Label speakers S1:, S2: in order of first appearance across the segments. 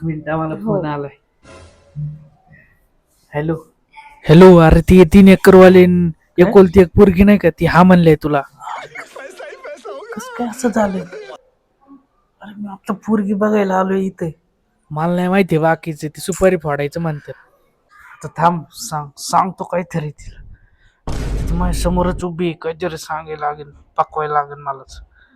S1: Minute मला
S2: हो.
S1: Phone आलाय. हॅलो हॅलो, अरे ती 3 एकरवाली एकोलती एक पोरगी नाही का, ती हा म्हणले तुला. कस काय असं झालं? अरे मी आता पोरगी बघायला आलोय इथे. मला नाही माहिती बाकीचे, ती सुपारी फोडायचं म्हणतात. आता थांब, सांगतो काहीतरी तिला. ती माझ्या समोरच उभी आहे, काहीतरी सांगायला लागेल, पकवायला लागेल मलाच.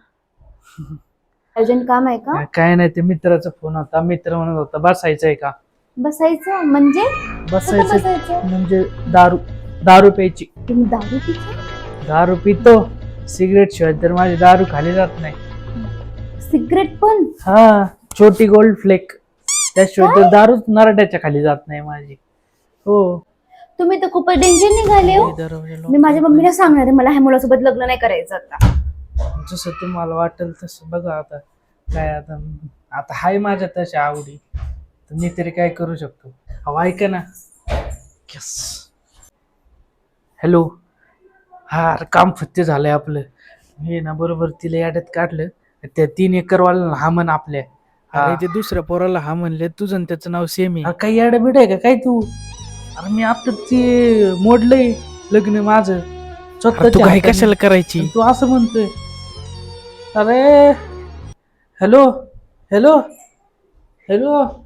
S2: अर्जंट काम आहे का?
S1: काय नाही, ते मित्राचा फोन होता. मित्र म्हणत होता बसायचंय का.
S2: बसायचं म्हणजे कुठं
S1: बसायचं
S2: बसायचं?
S1: म्हणजे दारू दारू प्यायची.
S2: तुम्ही दारू पिता?
S1: दारू पितो, सिगरेट शिवाय तर माझी दारू खाली जात नाही.
S2: सिगरेट पण?
S1: हा, छोटी गोल्ड फ्लेक, त्याशिवाय तर
S2: काय?
S1: दारूच नरड्याच्या खाली जात नाही माझी. हो.
S2: तुम्ही तर खूपच डेंजर निघाले हो. मी माझ्या मम्मीला सांगणार आहे, मला ह्या मुलासोबत लग्न नाही करायचं आता.
S1: जसं तुम्हाला वाटेल तसं बघा. आता काय, आता आता हाय माझ्या तशा आवडी, तर मी तरी काय करू शकतो. अहो ऐका ना. हॅलो. हा, अरे काम फत्ते झालंय आपलं. हे ना बरोबर तिला याड्यात काढलं. त्या 3 एकरवाला हा म्हण आपल्या. अरे ते दुसऱ्या पोराला हा म्हणले, तुझं आणि त्याचं नाव सेम आहे. काही याड बिड आहे का काय तू? अरे मी आता ते मोडलंय लग्न माझं. तू काही कशाला करायची? तू असं म्हणतोय. अरे हॅलो हॅलो हॅलो